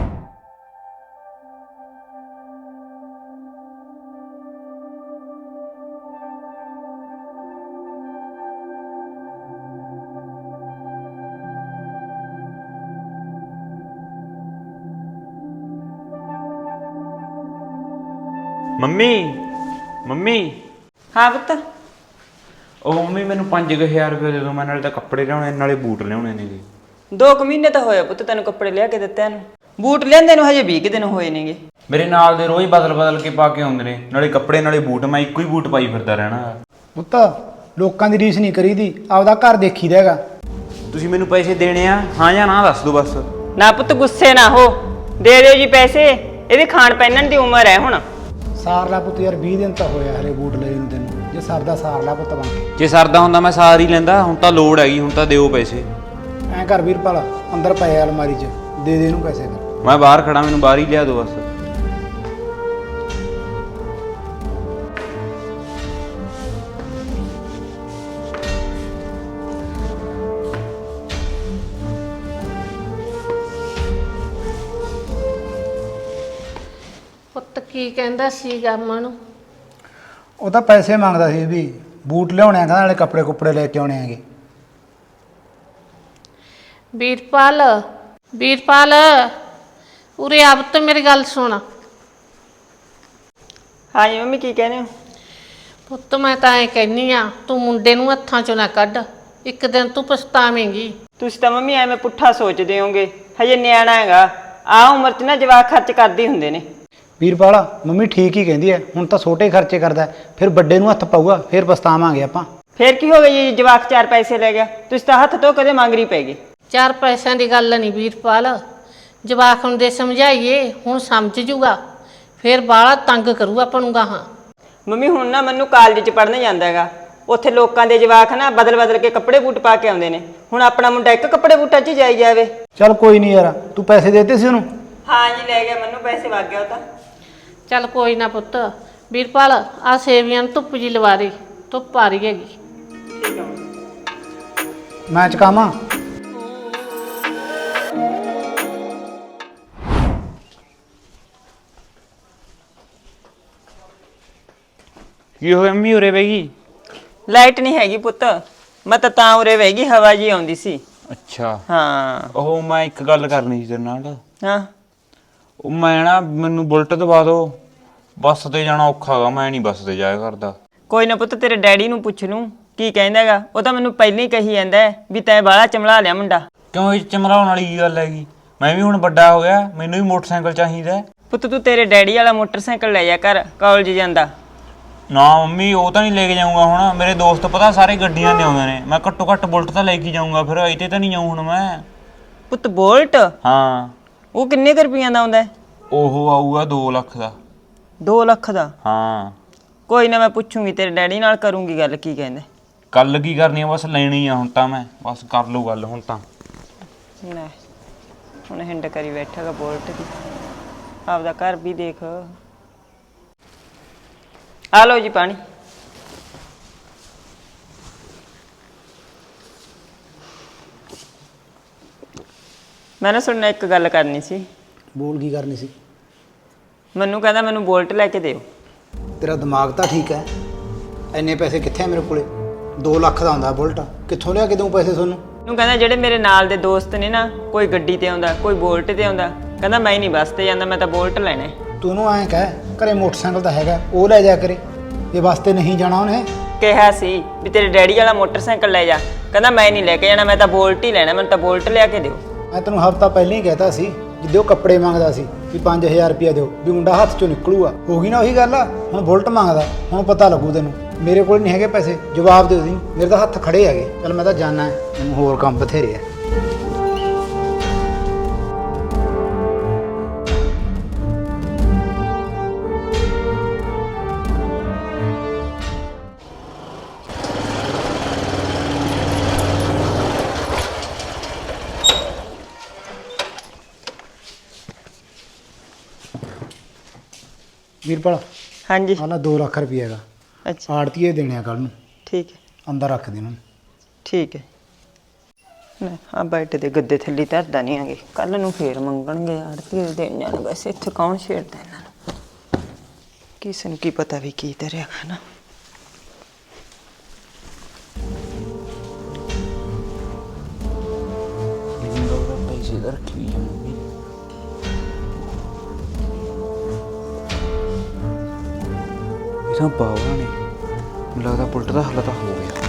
Speaker 6: ਮੰਮੀ ਮੰਮੀ
Speaker 2: ਹਾਂ ਪੁੱਤ।
Speaker 6: ਉਹ ਮੰਮੀ ਮੈਨੂੰ 5000 ਰੁਪਏ ਦੇ ਦਿਓ, ਮੈਂ ਨਾਲੇ ਤਾਂ ਕੱਪੜੇ ਲਿਆਉਣੇ ਨਾਲੇ ਬੂਟ ਲਿਆਉਣੇ ਨੇਗੇ।
Speaker 2: 2 ਮਹੀਨੇ ਤਾਂ ਹੋਇਆ ਪੁੱਤ ਤੈਨੂੰ ਕੱਪੜੇ ਲਿਆ ਕੇ ਦਿੱਤੇ ਨੂੰ, ਬੂਟ ਲਿਆਂਦੇ ਨੂੰ ਹਜੇ 20 ਦਿਨ ਹੋਏ ਨੇਗੇ।
Speaker 6: ਮੇਰੇ ਨਾਲ ਦੇ ਰੋਜ਼ ਬਦਲ ਕੇ ਪਾ ਕੇ ਆਉਂਦੇ ਨੇ, ਨਾਲੇ ਕੱਪੜੇ ਨਾਲੇ ਬੂਟ, ਮੈਂ ਇੱਕੋ ਹੀ ਬੂਟ ਪਾਈ ਫਿਰਦਾ ਰਹਿਣਾ।
Speaker 3: ਪੁੱਤ ਲੋਕਾਂ ਦੀ ਰੀਸ ਨਹੀਂ ਕਰੀਦੀ, ਆਪਦਾ ਘਰ ਦੇਖੀਦਾ ਹੈਗਾ।
Speaker 6: ਤੁਸੀਂ ਮੈਨੂੰ ਪੈਸੇ ਦੇਣੇ ਆ, ਹਾਂ ਜਾਂ ਨਾ ਦੱਸ ਦਿਓ ਬਸ।
Speaker 2: ਨਾ ਪੁੱਤ ਗੁੱਸੇ ਨਾ ਹੋ, ਦੇ ਦਿਓ ਜੀ ਪੈਸੇ, ਇਹਦੀ ਖਾਣ ਪਹਿਨਣ ਦੀ ਉਮਰ ਹੈ ਹੁਣ।
Speaker 3: ਸਾਰ ਲਾ ਪੁੱਤ ਯਾਰ, 20 ਦਿਨ ਤਾਂ ਹੋਇਆ ਹਲੇ ਬੂਟ ਲਏ ਨੂੰ ਤੈਨੂੰ, ਜੇ ਸਰਦਾ ਸਾਰ ਲਾ ਪੁੱਤ ਬਣ ਕੇ।
Speaker 6: ਜੇ ਸਰਦਾ ਹੁੰਦਾ ਮੈਂ ਸਾਰ ਹੀ ਲੈਂਦਾ, ਹੁਣ ਤਾਂ ਲੋੜ ਹੈਗੀ, ਹੁਣ ਤਾਂ ਦਿਓ ਪੈਸੇ।
Speaker 3: ਐਂ ਕਰ ਵੀਰਪਾਲ, ਅੰਦਰ ਪਏ ਅਲਮਾਰੀ 'ਚ, ਦੇ ਦੇ ਇਹਨੂੰ ਪੈਸੇ ਫਿਰ।
Speaker 6: ਮੈਂ ਬਾਹਰ ਖੜਾ, ਮੈਨੂੰ ਬਾਹਰ ਹੀ ਲਿਆ ਦਿਓ ਬਸ।
Speaker 1: ਪੁੱਤ ਕੀ ਕਹਿੰਦਾ ਸੀਗਾ ਮਾਂ ਨੂੰ?
Speaker 3: ਉਹ ਤਾਂ ਪੈਸੇ ਮੰਗਦਾ ਸੀ ਵੀ ਬੂਟ ਲਿਆਉਣੇ ਆ, ਕਹਿੰਦਾ ਨਾਲੇ ਕੱਪੜੇ ਕੁੱਪੜੇ ਲੈ ਕੇ ਆਉਣੇ ਹੈਗੇ।
Speaker 1: ਵੀਰਪਾਲ ਵੀਰਪਾਲ ਉਰੇ ਆ ਪੁੱਤ, ਮੇਰੀ ਗੱਲ ਸੁਣ।
Speaker 2: ਹਾਂਜੀ ਮੰਮੀ ਕੀ ਕਹਿੰਦੇ ਹੋ?
Speaker 1: ਪੁੱਤ ਮੈਂ ਤਾਂ ਐ ਕਹਿੰਨੀ ਆ, ਤੂੰ ਮੁੰਡੇ ਨੂੰ ਹੱਥਾਂ 'ਚੋਂ ਨਾ ਕੱਢ, ਇੱਕ ਦਿਨ ਤੂੰ ਪਛਤਾਵੇਂਗੀ।
Speaker 2: ਤੁਸੀਂ ਤਾਂ ਮੰਮੀ ਐਵੇਂ ਪੁੱਠਾ ਸੋਚਦੇ ਹੋਗੇ, ਹਜੇ ਨਿਆਣਾ ਹੈਗਾ, ਆਹ ਉਮਰ 'ਚ ਨਾ ਜਵਾਕ ਖਰਚ ਕਰਦੇ ਹੁੰਦੇ ਨੇ।
Speaker 3: ਵੀਰਪਾਲ ਮੰਮੀ ਠੀਕ ਹੀ ਕਹਿੰਦੀ ਹੈ, ਹੁਣ ਤਾਂ ਛੋਟੇ ਖਰਚੇ ਕਰਦਾ, ਫਿਰ ਵੱਡੇ ਨੂੰ ਹੱਥ ਪਾਊਗਾ, ਫਿਰ ਪਛਤਾਵਾਂਗੇ ਆਪਾਂ।
Speaker 2: ਫਿਰ ਕੀ ਹੋ ਗਿਆ ਜੀ, ਜਵਾਕ 4 ਪੈਸੇ ਲੈ ਗਿਆ, ਤੁਸੀਂ ਤਾਂ ਹੱਥ ਤੋਂ ਕਦੇ ਮੰਗਰੀ ਪੈ ਗਏ।
Speaker 1: 4 ਪੈਸਿਆਂ ਦੀ ਗੱਲ ਨਹੀਂ ਵੀਰਪਾਲ, ਜਵਾਕ ਨੂੰ ਦੇ ਸਮਝਾਈਏ, ਹੁਣ ਸਮਝ ਜੂਗਾ, ਫਿਰ ਬਾਹਲਾ ਤੰਗ ਕਰੂ ਆਪਾਂ ਨੂੰ ਗਾਹਾਂ।
Speaker 2: ਮੰਮੀ ਹੁਣ ਨਾ ਮੈਨੂੰ ਕਾਲਜ 'ਚ ਪੜ੍ਹਨ ਜਾਂਦਾ ਹੈਗਾ, ਉੱਥੇ ਲੋਕਾਂ ਦੇ ਜਵਾਕ ਨਾ ਬਦਲ ਕੇ ਕੱਪੜੇ ਬੂਟ ਪਾ ਕੇ ਆਉਂਦੇ ਨੇ, ਹੁਣ ਆਪਣਾ ਮੁੰਡਾ ਇੱਕ ਕੱਪੜੇ ਬੂਟਾਂ 'ਚ ਹੀ ਜਾਈ ਜਾਵੇ।
Speaker 3: ਚੱਲ ਕੋਈ ਨਹੀਂ ਯਾਰ, ਤੂੰ ਪੈਸੇ ਦੇ ਦਿੱਤੇ ਸੀ ਉਹਨੂੰ?
Speaker 2: ਹਾਂ ਜੀ ਲੈ ਗਿਆ, ਮੈਨੂੰ ਪੈਸੇ ਵਗ ਗਿਆ ਉਹ ਤਾਂ।
Speaker 1: ਚੱਲ ਕੋਈ ਨਾ ਪੁੱਤ, ਵੀਰਪਾਲ ਆ ਸੇਵੀਆਂ ਨੂੰ ਧੁੱਪ ਜੀ ਲਵਾ ਦੇ, ਧੁੱਪ ਆ ਰਹੀ ਹੈਗੀ।
Speaker 2: ਠੀਕ ਹੈ।
Speaker 3: ਮੈਂ ਚਕਾਵਾਂ?
Speaker 6: ਕੀ ਹੋਇਆ ਮੰਮੀ, ਉਰੇ ਬਹਿ ਗਈ?
Speaker 2: ਲਾਈਟ ਨਹੀਂ ਹੈਗੀ ਪੁੱਤ, ਮੈਂ ਤਾਂ ਉਰੇ ਬਹਿ ਗਈ, ਹਵਾ ਜੀ ਆਉਂਦੀ ਸੀ।
Speaker 6: ਅੱਛਾ
Speaker 2: ਹਾਂ
Speaker 6: ਉਹ ਮੈਂ ਇੱਕ ਗੱਲ ਕਰਨੀ ਸੀ ਤੇਰੇ ਨਾਲ।
Speaker 2: ਹਾਂ
Speaker 6: ਉਹ ਮੈਂ ਨਾ, ਮੈਨੂੰ ਬੁਲਟ ਦਵਾ ਦਿਓ, ਬੱਸ ਤੇ ਜਾਣਾ ਔਖਾ ਗਾ, ਮੈਂ ਨਹੀਂ ਬੱਸ ਤੇ ਜਾਇਆ ਕਰਦਾ।
Speaker 2: ਕੋਈ ਨਾ ਪੁੱਤ, ਤੇਰੇ ਡੈਡੀ ਨੂੰ ਪੁੱਛ ਲੂੰ ਕੀ ਕਹਿੰਦਾ ਹੈਗਾ, ਉਹ ਤਾਂ ਮੈਨੂੰ ਪਹਿਲਾਂ ਹੀ ਕਹੀ ਜਾਂਦਾ ਵੀ ਤੈਂ ਬਾਹਲਾ ਚਮਲਾ ਲਿਆ ਮੁੰਡਾ।
Speaker 6: ਕਿਉਂ ਇਹ ਚਮਲਾਉਣ ਵਾਲੀ ਕੀ ਗੱਲ ਹੈਗੀ? ਮੈਂ ਵੀ ਹੁਣ ਵੱਡਾ ਹੋ ਗਿਆ, ਮੈਨੂੰ ਵੀ ਮੋਟਰਸਾਈਕਲ ਚਾਹੀਦਾ।
Speaker 2: ਪੁੱਤ ਤੂੰ ਤੇਰੇ ਡੈਡੀ ਵਾਲਾ ਮੋਟਰਸਾਈਕਲ ਲੈ ਜਾ ਕਰ, ਕਾਲਜ ਜਾਂਦਾ।
Speaker 6: ਨਾ ਮੰਮੀ, ਉਹ ਤਾਂ ਨਹੀਂ ਲੈ ਕੇ ਜਾਊਂਗਾ ਹੁਣ, ਮੇਰੇ ਦੋਸਤ ਪਤਾ ਸਾਰੇ ਗੱਡੀਆਂ ਦੇ ਆਉਂਦੇ ਨੇ, ਮੈਂ ਘੱਟੋ ਘੱਟ ਬੁਲਟ ਤਾਂ ਲੈ ਕੇ ਜਾਊਂਗਾ, ਫਿਰ ਇੱਥੇ ਤਾਂ ਨਹੀਂ ਜਾਊਂ ਹੁਣ ਮੈਂ।
Speaker 2: ਪੁੱਤ ਬੋਲਟ?
Speaker 6: ਹਾਂ।
Speaker 2: ਉਹ ਕਿੰਨੇ ਕੁ ਰੁਪਈਆਂ ਦਾ ਆਉਂਦਾ?
Speaker 6: ਉਹ ਆਊਗਾ 2 ਲੱਖ ਦਾ।
Speaker 2: 2 ਲੱਖ ਦਾ?
Speaker 6: ਹਾਂ।
Speaker 2: ਕੋਈ ਨਾ, ਮੈਂ ਪੁੱਛੂੰਗੀ ਤੇਰੇ ਡੈਡੀ ਨਾਲ, ਕਰੂੰਗੀ ਗੱਲ, ਕੀ ਕਹਿੰਦੇ।
Speaker 6: ਗੱਲ ਕੀ ਕਰਨੀ ਆ, ਬਸ ਲੈਣੀ ਆ ਹੁਣ ਤਾਂ ਮੈਂ, ਬਸ ਕਰ ਲਓ ਗੱਲ ਹੁਣ ਤਾਂ।
Speaker 2: ਲੈ ਹੁਣ ਹਿੰਡ ਕਰੀ ਬੈਠਾਗਾ ਬੋਲਟ ਦੀ, ਆਪਦਾ ਘਰ ਵੀ ਦੇਖ। ਆ ਲਓ ਜੀ ਪਾਣੀ। ਮੈਂ ਨਾ ਸੁਣਨਾ ਇੱਕ ਗੱਲ ਕਰਨੀ ਸੀ।
Speaker 3: ਬੋਲ ਕੀ ਕਰਨੀ ਸੀ?
Speaker 2: ਮੈਨੂੰ ਕਹਿੰਦਾ ਮੈਨੂੰ ਬੋਲਟ ਲੈ ਕੇ ਦਿਓ।
Speaker 3: ਤੇਰਾ ਦਿਮਾਗ ਤਾਂ ਠੀਕ ਹੈ, ਇੰਨੇ ਪੈਸੇ ਕਿੱਥੇ ਆ ਮੇਰੇ ਕੋਲੇ? 2 ਲੱਖ ਦਾ ਹੁੰਦਾ ਬੁਲਟ, ਕਿੱਥੋਂ ਲਿਆ ਕੇ ਦਊਂ ਪੈਸੇ ਤੁਹਾਨੂੰ?
Speaker 2: ਉਹਨੂੰ ਕਹਿੰਦਾ ਜਿਹੜੇ ਮੇਰੇ ਨਾਲ ਦੇ ਦੋਸਤ ਨੇ ਨਾ, ਕੋਈ ਗੱਡੀ ਤੇ ਆਉਂਦਾ, ਕੋਈ ਬੋਲਟ ਤੇ ਆਉਂਦਾ, ਕਹਿੰਦਾ ਮੈਂ ਨਹੀਂ ਬੱਸ ਤੇ ਜਾਂਦਾ, ਮੈਂ ਤਾਂ ਬੋਲਟ ਲੈਣਾ ਹੈ।
Speaker 3: ਤੂੰ ਉਹਨੂੰ ਐਂ ਕਹਿ, ਘਰੇ ਮੋਟਰਸਾਈਕਲ ਤਾਂ ਹੈਗਾ, ਉਹ ਲੈ ਜਾ ਕਰੇ, ਇਹ ਬੱਸ ਤੇ ਨਹੀਂ ਜਾਣਾ ਉਹਨੇ।
Speaker 2: ਕਿਹਾ ਸੀ ਵੀ ਤੇਰੇ ਡੈਡੀ ਵਾਲਾ ਮੋਟਰਸਾਈਕਲ ਲੈ ਜਾ, ਕਹਿੰਦਾ ਮੈਂ ਨਹੀਂ ਲੈ ਕੇ ਜਾਣਾ, ਮੈਂ ਤਾਂ ਬੋਲਟ ਹੀ ਲੈਣਾ, ਮੈਨੂੰ ਤਾਂ ਬੋਲਟ ਲਿਆ ਕੇ ਦਿਓ।
Speaker 3: ਮੈਂ ਤੈਨੂੰ ਹਫ਼ਤਾ ਪਹਿਲਾਂ ਹੀ ਕਹਿਤਾ ਸੀ, ਜਿੱਦੇ ਉਹ ਕੱਪੜੇ ਮੰਗਦਾ ਸੀ ਵੀ 5000 ਰੁਪਇਆ ਦਿਓ, ਵੀ ਮੁੰਡਾ ਹੱਥ ਚੋਂ ਨਿਕਲੂਗਾ। ਹੋ ਗਈ ਨਾ ਉਹੀ ਗੱਲ ਆ, ਹੁਣ ਬੁਲਟ ਮੰਗਦਾ, ਹੁਣ ਪਤਾ ਲੱਗੂ ਤੈਨੂੰ। ਮੇਰੇ ਕੋਲ ਨਹੀਂ ਹੈਗੇ ਪੈਸੇ, ਜਵਾਬ ਦਿਓ ਤੁਸੀਂ, ਮੇਰੇ ਤਾਂ ਹੱਥ ਖੜੇ ਹੈਗੇ। ਚੱਲ ਮੈਂ ਤਾਂ ਜਾਣਾ, ਮੈਨੂੰ ਹੋਰ ਕੰਮ ਬਥੇਰੇ ਆ। ਵੀਰਪਾਲ,
Speaker 2: ਹਾਂਜੀ
Speaker 3: ਆਹ ਲੈ 2 ਲੱਖ ਰੁਪਇਆ ਹੈਗਾ,
Speaker 2: ਅੱਛਾ
Speaker 3: ਆੜਤੀਏ ਦੇਣੇ ਆ ਕੱਲ ਨੂੰ,
Speaker 2: ਠੀਕ ਹੈ
Speaker 3: ਅੰਦਰ ਰੱਖ ਦੇ ਇਹਨੂੰ।
Speaker 2: ਠੀਕ ਹੈ। ਲੈ ਆ ਬੈਠ ਦੇ ਗੱਦੇ ਥੱਲੇ ਧਰਦਾ ਨਹੀਂ ਆਗੇ, ਕੱਲ ਨੂੰ ਫੇਰ ਮੰਗਣਗੇ ਆੜਤੀ ਦੇ ਦੇਣ ਜਾਣ। ਵੈਸੇ ਇੱਥੇ ਕੌਣ ਛੇੜਦਾ ਇਹਨਾਂ ਨੂੰ, ਕਿਸੇ ਨੂੰ ਕੀ ਪਤਾ ਵੀ ਕੀ ਧਰਿਆ ਖਾਣਾ।
Speaker 6: ਪੈਸੇ ਦਾ ਰੱਖੀ ਆ ਮੰਮੀ। ਇਹਦਾ ਬਾਵਾ ਨੇ, ਮੈਨੂੰ ਲੱਗਦਾ ਬੁਲਟ ਦਾ ਹੱਲ ਤਾਂ ਹੋ ਗਿਆ।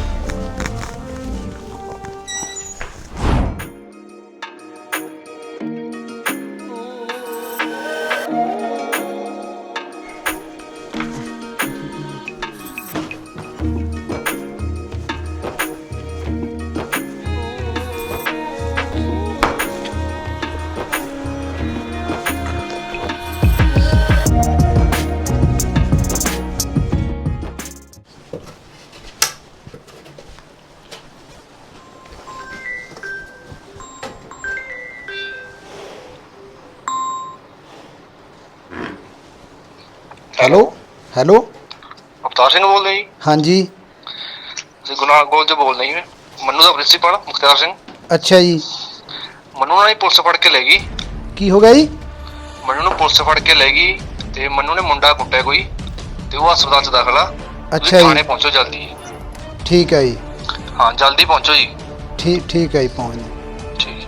Speaker 3: ਹੈਲੋ ਹੈਲੋ,
Speaker 7: ਅਵਤਾਰ ਸਿੰਘ ਬੋਲਦੇ ਜੀ?
Speaker 3: ਹਾਂਜੀ।
Speaker 7: ਅਸੀਂ ਗੁਨਾਹ ਕਾਲਜ ਤੋਂ ਬੋਲਦੇ ਜੀ। ਮੰਨੂ ਦਾ ਪ੍ਰਿੰਸੀਪਲ ਮੁਖਤਾਰ ਸਿੰਘ।
Speaker 3: ਅੱਛਾ ਜੀ,
Speaker 7: ਮੰਨੂ ਨਾਲ ਹੀ ਪੁਲਿਸ ਫੜ ਕੇ ਲੈ ਗਈ।
Speaker 3: ਕੀ ਹੋ ਗਿਆ ਜੀ?
Speaker 7: ਮੰਨੂ ਨੂੰ ਪੁਲਿਸ ਫੜ ਕੇ ਲੈ ਗਈ ਤੇ ਮੰਨੂ ਨੇ ਮੁੰਡਾ ਕੁੱਟਿਆ ਕੋਈ, ਤੇ ਉਹ ਹਸਪਤਾਲ 'ਚ ਦਾਖਲ ਆ।
Speaker 3: ਅੱਛਾ
Speaker 7: ਤੁਸੀਂ
Speaker 3: ਜੀ।
Speaker 7: ਥਾਣੇ ਪਹੁੰਚੋ ਜਲਦੀ।
Speaker 3: ਠੀਕ ਹੈ ਜੀ,
Speaker 7: ਹਾਂ ਜਲਦੀ ਪਹੁੰਚੋ ਜੀ।
Speaker 3: ਠੀਕ ਹੈ ਜੀ, ਪਹੁੰਚਦੇ।
Speaker 7: ਠੀਕ।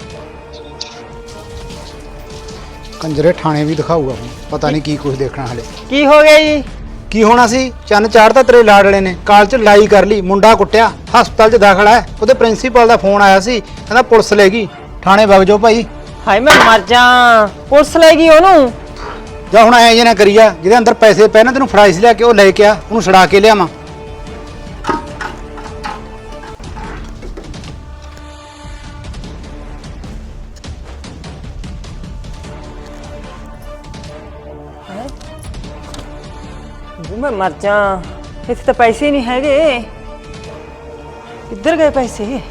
Speaker 3: ਕੰਜਰੇ ਥਾਣੇ ਵੀ ਦਿਖਾਊਗਾ ਹੁਣ, ਪਤਾ ਨਹੀਂ ਕੀ ਕੁਝ ਦੇਖਣਾ ਹਲੇ।
Speaker 2: ਕੀ ਹੋ ਗਿਆ ਜੀ?
Speaker 3: ਕੀ ਹੋਣਾ ਸੀ, ਚੰਨ ਚਾੜਤਾ ਤੇਰੇ ਲਾਡਲੇ ਨੇ, ਕਾਲਜ 'ਚ ਲੜਾਈ ਕਰ ਲਈ, ਮੁੰਡਾ ਕੁੱਟਿਆ, ਹਸਪਤਾਲ 'ਚ ਦਾਖਲ ਹੈ। ਉਹਦੇ ਪ੍ਰਿੰਸੀਪਲ ਦਾ ਫੋਨ ਆਇਆ ਸੀ, ਕਹਿੰਦਾ ਪੁਲਿਸ ਲੈ ਗਈ, ਥਾਣੇ ਵਗ ਜਾਓ ਭਾਈ।
Speaker 2: ਹਾਏ ਮੈਂ ਮਰ ਜਾ, ਪੁਲਿਸ ਲੈ ਗਈ ਉਹਨੂੰ?
Speaker 3: ਜਾਂ ਹੁਣ ਐ ਜੇ ਨਾ ਕਰੀ ਜਾ, ਜਿਹਦੇ ਅੰਦਰ ਪੈਸੇ ਪਏ ਨਾ, ਤੈਨੂੰ ਫੜਾਈਸ ਲਿਆ ਕੇ ਉਹ ਲੈ ਕੇ ਆ, ਉਹਨੂੰ ਛੁਡਾ ਕੇ ਲਿਆਵਾਂ।
Speaker 2: ਮੈਂ ਮਰ ਜਾ, ਇੱਥੇ ਤਾਂ ਪੈਸੇ ਹੀ ਨਹੀਂ ਹੈਗੇ। ਕਿੱਧਰ ਗਏ ਪੈਸੇ?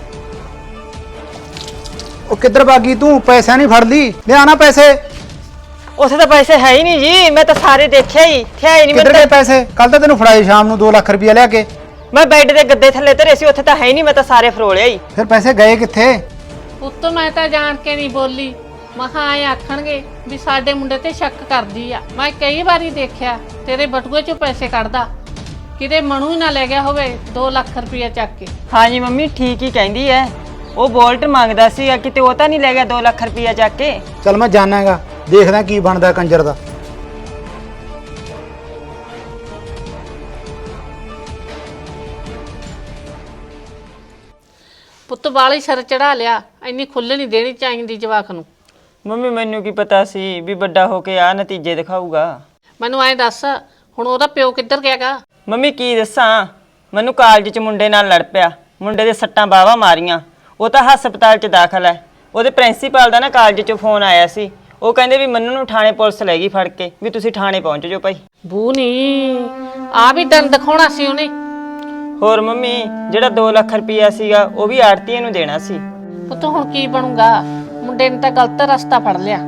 Speaker 3: ਉਹ ਕਿੱਧਰ ਭਾਗੀ ਤੂੰ? ਪੈਸਾ ਨਹੀਂ ਫੜ ਲਈ, ਲਿਆਣਾ ਪੈਸੇ।
Speaker 2: ਉੱਥੇ ਤਾਂ ਪੈਸੇ ਹੈ ਹੀ ਨਹੀਂ ਜੀ, ਮੈਂ ਤਾਂ ਸਾਰੇ ਦੇਖਿਆ ਹੀ, ਇੱਥੇ ਆਏ ਨਹੀਂ।
Speaker 3: ਕਿੱਧਰ ਗਏ ਪੈਸੇ? ਕੱਲ ਤਾਂ ਤੈਨੂੰ ਫੜਾਏ ਸ਼ਾਮ ਨੂੰ 2 ਲੱਖ ਰੁਪਇਆ ਲਿਆ ਕੇ।
Speaker 2: ਮੈਂ ਬੈੱਡ ਦੇ ਗੱਦੇ ਥੱਲੇ ਧਰੇ ਸੀ, ਉੱਥੇ ਤਾਂ ਹੈ ਹੀ ਨਹੀਂ, ਮੈਂ ਤਾਂ ਸਾਰੇ ਫਰੋਲਿਆ ਹੀ।
Speaker 3: ਫਿਰ ਪੈਸੇ ਗਏ ਕਿੱਥੇ?
Speaker 1: ਪੁੱਤ ਮੈਂ ਤਾਂ ਜਾਣ ਕੇ ਨਹੀਂ ਬੋਲੀ, ਮਹਾਂ ਆਏ ਆਖਣਗੇ ਵੀ ਸਾਡੇ ਮੁੰਡੇ ਤੇ ਸ਼ੱਕ ਕਰਦੀ ਆ। ਮੈਂ ਕਈ ਵਾਰੀ ਦੇਖਿਆ ਤੇਰੇ ਬਟੂਏ ਚੋਂ ਪੈਸੇ ਕੱਢਦਾ, ਕਿਤੇ ਮਨੂ ਹੀ ਨਾ ਲੈ ਗਿਆ ਹੋਵੇ 2 ਲੱਖ ਰੁਪਇਆ ਚੱਕ ਕੇ।
Speaker 2: ਹਾਂਜੀ ਮੰਮੀ ਠੀਕ ਹੀ ਕਹਿੰਦੀ ਐ, ਉਹ ਬੋਲਟ ਮੰਗਦਾ ਸੀ, ਕਿਤੇ ਉਹ ਤਾਂ ਨਹੀਂ ਲੈ ਗਿਆ 2 ਲੱਖ ਰੁਪਇਆ ਚੱਕ ਕੇ।
Speaker 3: ਚੱਲ ਮੈਂ ਜਾਣਾਗਾ, ਦੇਖਦਾ ਕੀ ਬਣਦਾ ਕੰਜਰ ਦਾ।
Speaker 1: ਪੁੱਤ ਵਾਲੀ ਸਿਰ ਚੜਾ ਲਿਆ, ਇੰਨੀ ਖੁੱਲ੍ਹ ਨਹੀਂ ਦੇਣੀ ਚਾਹੀਦੀ ਜਵਾਕ ਨੂੰ।
Speaker 2: ਮੰਮੀ ਮੈਨੂੰ ਕੀ ਪਤਾ ਸੀ ਵੀ ਵੱਡਾ ਹੋ ਕੇ ਆ ਨਤੀਜੇ ਦਿਖਾਊਗਾ।
Speaker 1: ਮੈਨੂੰ ਐਂ ਦੱਸ, ਹੁਣ ਉਹਦਾ ਪਿਓ ਕਿੱਧਰ ਗਿਆਗਾ?
Speaker 2: ਮੰਮੀ ਕੀ ਦੱਸਾਂ, ਮੈਨੂੰ ਕਾਲਜ 'ਚ ਮੁੰਡੇ ਨਾਲ ਲੜ ਪਿਆ, ਮੁੰਡੇ ਦੇ ਸੱਟਾਂ ਬਾਹਾਂ ਮਾਰੀਆਂ, ਉਹ ਤਾਂ ਹਸਪਤਾਲ 'ਚ ਦਾਖਲ ਹੈ। ਉਹਦੇ ਪ੍ਰਿੰਸੀਪਲ ਦਾ ਨਾ ਕਾਲਜ 'ਚੋਂ ਫੋਨ ਆਇਆ ਸੀ, ਉਹ ਕਹਿੰਦੇ ਵੀ ਮੰਨੂ ਨੂੰ ਥਾਣੇ ਪੁਲਿਸ ਲੈ ਗਈ ਫੜ ਕੇ, ਵੀ ਤੁਸੀਂ ਥਾਣੇ ਪਹੁੰਚ ਜਾਓ ਭਾਈ।
Speaker 1: ਬੂ ਨਹੀਂ, ਆ ਵੀ ਦੰਦ ਦਿਖਾਉਣਾ ਸੀ ਉਹਨੇ।
Speaker 2: ਹੋਰ ਮੰਮੀ ਜਿਹੜਾ 2 ਲੱਖ ਰੁਪਇਆ ਸੀਗਾ ਉਹ ਵੀ ਆੜਤੀਏ ਨੂੰ ਦੇਣਾ ਸੀ।
Speaker 1: ਪੁੱਤ ਹੁਣ ਕੀ ਬਣੂਗਾ? ਮੁੰਡੇ ਨੇ ਤਾਂ ਗਲਤ ਰਸਤਾ ਫੜ ਲਿਆ।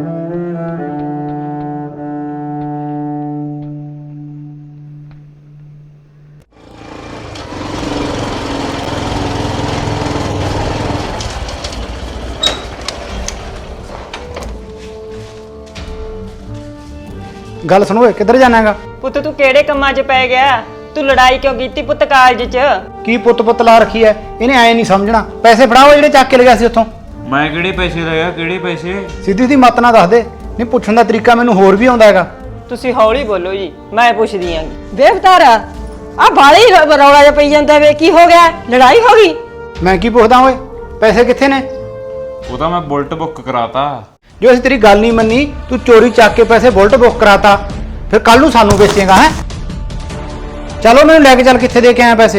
Speaker 3: ਗੱਲ ਸੁਣੋ ਓਏ, ਕਿੱਧਰ ਜਾਣਾਗਾ?
Speaker 2: ਪੁੱਤ ਤੂੰ ਕਿਹੜੇ ਕੰਮਾਂ 'ਚ ਪੈ ਗਿਆ? ਤੂੰ ਲੜਾਈ ਕਿਉਂ ਕੀਤੀ ਪੁੱਤ ਕਾਲਜ 'ਚ?
Speaker 3: ਕੀ ਪੁੱਤ ਲਾ ਰੱਖੀ ਐ? ਇਹਨੇ ਐ ਨਹੀਂ ਸਮਝਣਾ। ਪੈਸੇ ਫੜਾਓ ਜਿਹੜੇ ਚੱਕ ਕੇ ਲਗਿਆ ਸੀ ਉੱਥੋਂ।
Speaker 6: ਮੈਂ ਕਿਹੜੇ ਪੈਸੇ ਲਇਆ? ਕਿਹੜੇ ਪੈਸੇ?
Speaker 3: ਸਿੱਧੀ ਦੀ ਮਤ ਨਾ ਦੱਸ ਦੇ। ਨਹੀਂ ਪੁੱਛਣ ਦਾ ਤਰੀਕਾ ਮੈਨੂੰ ਹੋਰ ਵੀ ਆਉਂਦਾ ਹੈਗਾ।
Speaker 2: ਤੁਸੀਂ ਹੌਲੀ ਬੋਲੋ ਜੀ, ਮੈਂ ਪੁੱਛਦੀ ਆਂ।
Speaker 5: ਬੇਵਤਾਰਾ ਆ ਬਾਲੀ ਰੌਲਾ ਜਿਹਾ ਪਈ ਜਾਂਦਾ ਵੇ, ਕੀ ਹੋ ਗਿਆ? ਲੜਾਈ ਹੋ ਗਈ?
Speaker 3: ਮੈਂ ਕੀ ਪੁੱਛਦਾ ਓਏ? ਪੈਸੇ ਕਿੱਥੇ ਨੇ?
Speaker 6: ਉਹ ਤਾਂ ਮੈਂ ਬੁਲਟ ਬੁੱਕ ਕਰਾਤਾ।
Speaker 3: ਜੋ ਅਸੀਂ ਤੇਰੀ ਗੱਲ ਨਹੀਂ ਮੰਨੀ, ਤੂੰ ਚੋਰੀ ਚੱਕ ਕੇ ਪੈਸੇ ਬੁਲਟ ਬੁੱਕ ਕਰਾਤਾ, ਫਿਰ ਕੱਲ ਨੂੰ ਸਾਨੂੰ ਵੇਚੇਗਾ ਹੈ? ਚਲੋ ਮੈਨੂੰ ਲੈ ਕੇ ਚੱਲ, ਕਿੱਥੇ ਦੇ ਕੇ ਆਇਆ ਪੈਸੇ?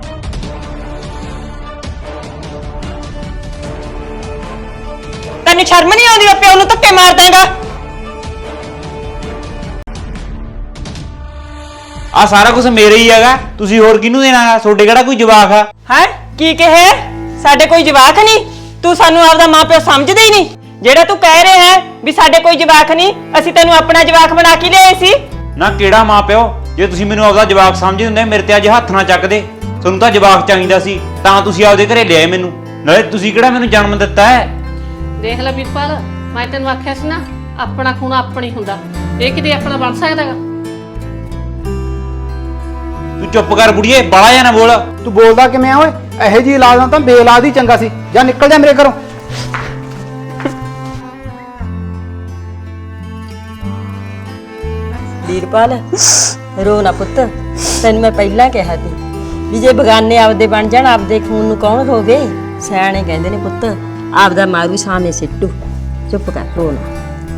Speaker 2: ਤੈਨੂੰ ਸ਼ਰਮ ਨਹੀਂ ਆਉਂਦੀ? ਪਿਓ ਨੂੰ ਧੱਕੇ ਮਾਰ ਦਾਂਗਾ।
Speaker 6: ਆ ਸਾਰਾ ਕੁਝ ਮੇਰੇ ਹੀ ਹੈਗਾ, ਤੁਸੀਂ ਹੋਰ ਕਿਹਨੂੰ ਦੇਣਾਗਾ? ਤੁਹਾਡੇ ਕਿਹੜਾ ਕੋਈ ਜਵਾਕ ਆ?
Speaker 2: ਹੈ ਕੀ ਕਹੇ? ਸਾਡੇ ਕੋਈ ਜਵਾਕ ਨਹੀਂ? ਤੂੰ ਸਾਨੂੰ ਆਪਦਾ ਮਾਪਿਓ ਸਮਝਦੇ ਹੀ ਨਹੀਂ? ਜਿਹੜਾ ਤੂੰ ਕਹਿ ਰਿਹਾ ਹੈ ਵੀ ਸਾਡੇ ਕੋਈ ਜਵਾਕ ਨਹੀਂ, ਅਸੀਂ ਤੈਨੂੰ ਆਪਣਾ ਜਵਾਕ ਬਣਾ ਕੇ ਲਿਆਏ ਸੀ।
Speaker 6: ਨਾ ਕਿਹੜਾ ਮਾਂ ਪਿਓ? ਜੇ ਤੁਸੀਂ ਮੈਨੂੰ ਆਪਦਾ ਜਵਾਕ ਸਮਝਦੇ ਹੁੰਦੇ ਮੇਰੇ ਤੇ ਅੱਜ ਹੱਥ ਨਾ ਚੱਕਦੇ। ਤੁਹਾਨੂੰ ਤਾਂ ਜਵਾਕ ਚਾਹੀਦਾ ਸੀ, ਤਾਂ ਤੁਸੀਂ ਆਪਦੇ ਘਰੇ ਲਿਆਏ ਮੈਨੂੰ। ਨਾਲੇ ਤੁਸੀਂ ਕਿਹੜਾ ਮੈਨੂੰ ਜਨਮ ਦਿੱਤਾ ਹੈ?
Speaker 1: ਦੇਖ ਲੈ ਵੀਰਪਾਲ, ਮੈਂ ਤੈਨੂੰ ਆਖਿਆ ਸੀ ਨਾ, ਆਪਣਾ ਖੂਨ ਆਪਣੀ ਹੁੰਦਾ। ਇਹ ਕਿਤੇ ਆਪਣਾ ਬਣ ਸਕਦਾਗਾ?
Speaker 6: ਤੂੰ ਚੁੱਪ ਕਰ ਬੁੜੀਏ, ਬਾਲਾ ਜਾਂ ਨਾ ਬੋਲ।
Speaker 3: ਤੂੰ ਬੋਲਦਾ ਕਿਵੇਂ ਆ ਓਏ? ਇਹੋ ਜਿਹੀ ਔਲਾਦ ਨਾਲ ਤਾਂ ਬੇਔਲਾਦ ਹੀ ਚੰਗਾ ਸੀ। ਜਾਂ ਨਿਕਲ ਜਾ ਮੇਰੇ ਘਰੋਂ।
Speaker 5: ਵੀਰਪਾਲ ਰੋ ਨਾ ਪੁੱਤ, ਤੈਨੂੰ ਮੈਂ ਪਹਿਲਾਂ ਕਿਹਾ ਸੀ ਵੀ ਜੇ ਬਗਾਨੇ ਆਪਦੇ ਬਣ ਜਾਣ, ਆਪਦੇ ਖੂਨ ਨੂੰ ਕੌਣ ਹੋਵੇ? ਸਿਆਣੇ ਕਹਿੰਦੇ ਨੇ ਪੁੱਤ, ਆਪਦਾ ਮਾਰੂ ਸਾਹਮਣੇ ਸਿੱਟੂ। ਚੁੱਪ ਕਰ, ਰੋ ਨਾ।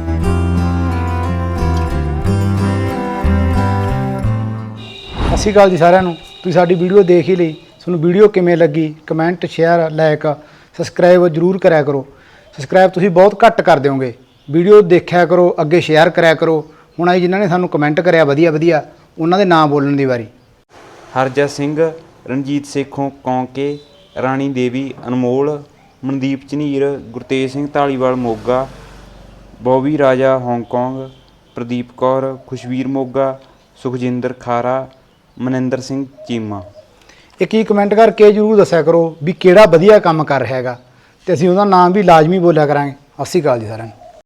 Speaker 3: ਸਤਿ ਸ਼੍ਰੀ ਅਕਾਲ ਜੀ ਸਾਰਿਆਂ ਨੂੰ। ਤੁਸੀਂ ਸਾਡੀ ਵੀਡੀਓ ਦੇਖ ਹੀ ਲਈ। ਤੁਹਾਨੂੰ ਵੀਡੀਓ ਕਿਵੇਂ ਲੱਗੀ? ਕਮੈਂਟ, ਸ਼ੇਅਰ, ਲਾਈਕ, ਸਬਸਕ੍ਰਾਈਬ ਜ਼ਰੂਰ ਕਰਿਆ ਕਰੋ। ਸਬਸਕ੍ਰਾਈਬ ਤੁਸੀਂ ਬਹੁਤ ਘੱਟ ਕਰ ਦਿਓਗੇ। ਵੀਡੀਓ ਦੇਖਿਆ ਕਰੋ, ਅੱਗੇ ਸ਼ੇਅਰ ਕਰਿਆ ਕਰੋ। ਹੁਣ ਆਈ ਜਿਨ੍ਹਾਂ ਨੇ ਸਾਨੂੰ ਕਮੈਂਟ ਕਰਿਆ ਵਧੀਆ ਉਹਨਾਂ ਦੇ ਨਾਮ ਬੋਲਣ ਦੀ ਵਾਰੀ।
Speaker 6: ਹਰਜਤ ਸਿੰਘ, ਰਣਜੀਤ ਸੇਖੋਂ ਕੌਂਕੇ, ਰਾਣੀ ਦੇਵੀ ਅਨਮੋਲ, ਮਨਦੀਪ ਝਨੀਰ, ਗੁਰਤੇਜ ਸਿੰਘ ਢਾਲੀਵਾਲ ਮੋਗਾ, ਬੋਬੀ ਰਾਜਾ ਹਾਂਗਕਾਂਗ, ਪ੍ਰਦੀਪ ਕੌਰ, ਖੁਸ਼ਵੀਰ ਮੋਗਾ, ਸੁਖਜਿੰਦਰ ਖਾਰਾ, ਮਨਿੰਦਰ ਸਿੰਘ ਚੀਮਾ।
Speaker 3: ਇੱਕ ਹੀ ਕਮੈਂਟ ਕਰਕੇ ਜ਼ਰੂਰ ਦੱਸਿਆ ਕਰੋ ਵੀ ਕਿਹੜਾ ਵਧੀਆ ਕੰਮ ਕਰ ਰਿਹਾ ਹੈਗਾ, ਤੇ ਅਸੀਂ ਉਹਦਾ ਨਾਮ ਵੀ ਲਾਜ਼ਮੀ ਬੋਲਿਆ ਕਰਾਂਗੇ। ਸਤਿ ਸ਼੍ਰੀ ਅਕਾਲ ਜੀ ਸਾਰਿਆਂ ਨੂੰ।